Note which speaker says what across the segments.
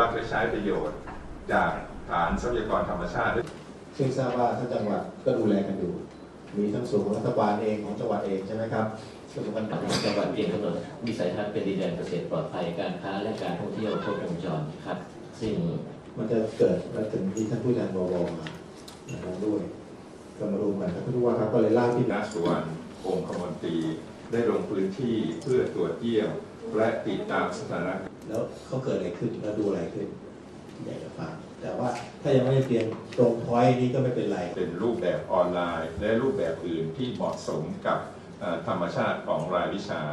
Speaker 1: จะใช้ประโยชน์จากฐานทรัพยากรธรรมชาติ
Speaker 2: ซึ่งทราบว่าท่านจังหวัดก็ดูแลกันอยู่มีทั้งส่วนของรัฐบาลเองของจังหวัดเองใช่ไหมครับ
Speaker 3: ส่วนของจังหวัดเองกำหนดวิสัยทัศน์เป็นดินแดนเกษตรปลอดภัยการค้าและการท่องเที่ยวครบวงจรครับซึ่ง
Speaker 2: มันจะเกิดมาถึงที่ท่านผู้แทนบวมานะครับด้วยก็มาดูกันท่านผู้ว่าครับก็เลยล่าที่
Speaker 1: ณสุวรรณองคมนตรีได้ลงพื้นที่เพื่อตรวจเยี่ยมและติดตามสถานการณ์
Speaker 2: แล้วเขาเกิดอะไรขึ้นแล้วดูอะไรขึ้นอยากจะฟังแต่ว่าถ้ายังไม่ได้เตรียมตรงพอยต์นี้ก็ไม่เป็นไร
Speaker 1: เป็นรูปแบบออนไลน์และรูปแบบอื่นที่เหมาะสมกับธรรมชาติของรายวิชา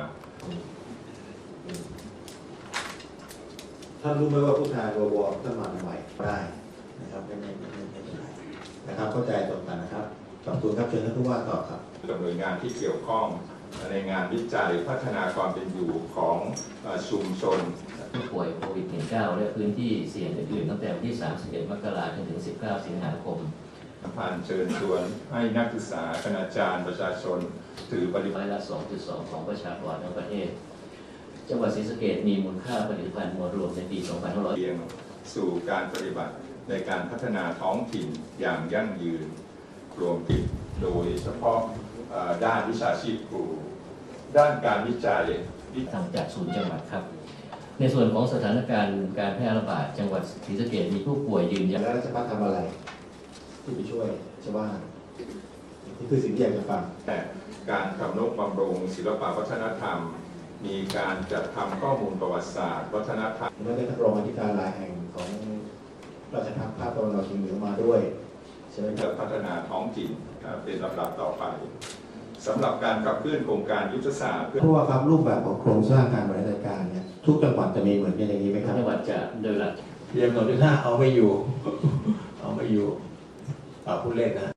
Speaker 2: ท่านรู้ไหมว่าผู้แทนบวท่านมาใหม่ได้นะครับไม่เป็นไรนะครับเข้าใจตรงกันนะครับขอบคุณครับเชิญท่านผู้ว่าตอบครับ
Speaker 1: กับหน่วยงานที่เกี่ยวข้องในงานวิจัยพัฒนาความเป็นอยู่ของชุมชน
Speaker 3: ผู้ป่วยโควิด -19 และพื้นที่เสี่ยงอื่นๆตั้งแต่วันที่ 31 มกราคม ถึง 19 สิงหาคม
Speaker 1: ผ่านเชิญชวนให้นักศึกษาคณาจารย์ประชาชนถือปฏิบัติ
Speaker 3: ละ 2.2 ของประชากรทั้งประเทศจังหวัดศรีสะเกษมีมูลค่าผลิตภัณฑ์มวลรวมในปี2500
Speaker 1: เรียงสู่การปฏิบัติในการพัฒนาท้องถิ่นอย่างยั่งยืนรวมถึงโดยเฉพาะด้านวิชาชีพครูด้านการวิจัย
Speaker 3: ทางจากศูนย์จังหวัดครับในส่วนของสถานการณ์การแพร่ระบาดจังหวัดศรีสะเกษมีผู้ป่วยยืนยัน
Speaker 2: แล้วราชพัฒทำอะไรที่ไปช่วยชาวบ้านนี่คือสิ่งที่อยากจะฟัง
Speaker 1: แต่การทำนุบำรุงศิลปวัฒนธรรมมีการจัดทำข้อมูลประวัติศาสตร์วัฒนธรรม
Speaker 2: และได้ท่านรองอธิการหลายแห่งของราชพัฒภาคตะวันออกเฉียงเหนือมาด้วยใช่ไหมครับ
Speaker 1: พัฒนาท้องถิ่นเป็นลำดับต่อไปสำหรับการขับเคลื่อนโครงการยุทธศาสตร์
Speaker 2: เพราะว่าครับรูปแบบของโครงสร้างการบริหารจัดการเนี่ยทุกจังหวัดจะมีเหมือนกันอย่างนี้ไหมครับ
Speaker 3: จังหวัดจะโดยหลัก
Speaker 2: เรียนหมดที่5เอาไม่อยู่เอาไม่อยู่พูดเล่นนะ